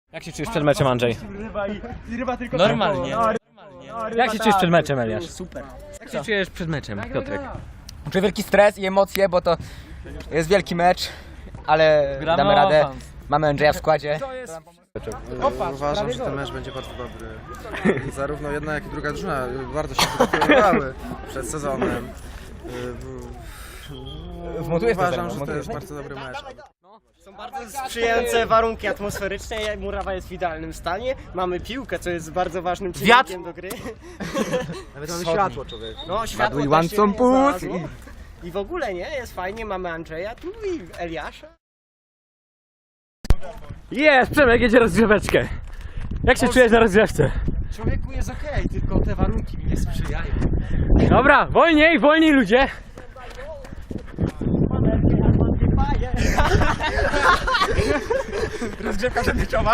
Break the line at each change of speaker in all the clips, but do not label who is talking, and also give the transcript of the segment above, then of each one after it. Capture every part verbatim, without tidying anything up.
Jak się czujesz przed meczem, Andrzej?
Normalnie.
Jak się czujesz przed meczem, Eliasz?
Super.
Jak się czujesz przed meczem, Piotrek?
Czuję wielki stres i emocje, bo to jest wielki mecz, ale damy radę. Mamy Andrzeja w składzie.
Uważam, że ten mecz będzie bardzo dobry. I zarówno jedna, jak i druga drużyna bardzo się przygotowywały przed sezonem.
Wmontujesz to
Uważam,
ze mną,
że to jest
montujesz?
bardzo dobry mecz.
Są bardzo sprzyjające warunki atmosferyczne, murawa jest w idealnym stanie, mamy piłkę, co jest bardzo ważnym czynnikiem do gry.
Nawet mamy światło, człowiek.
No, światło
Ładuj
też się
łańcuch, pust.
znalazło. I w ogóle nie, jest fajnie, mamy Andrzeja tu i Eliasza.
Jest! Przemek jedzie rozgrzeweczkę. Jak się czujesz na rozgrzewce?
Człowieku jest okej, tylko te warunki mi nie sprzyjają.
Dobra, wolniej, wolniej ludzie.
Rozgrzewka przedmeczowa.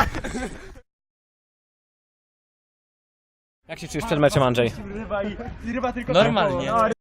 Jak się czujesz przed meczem, Andrzej?
Normalnie.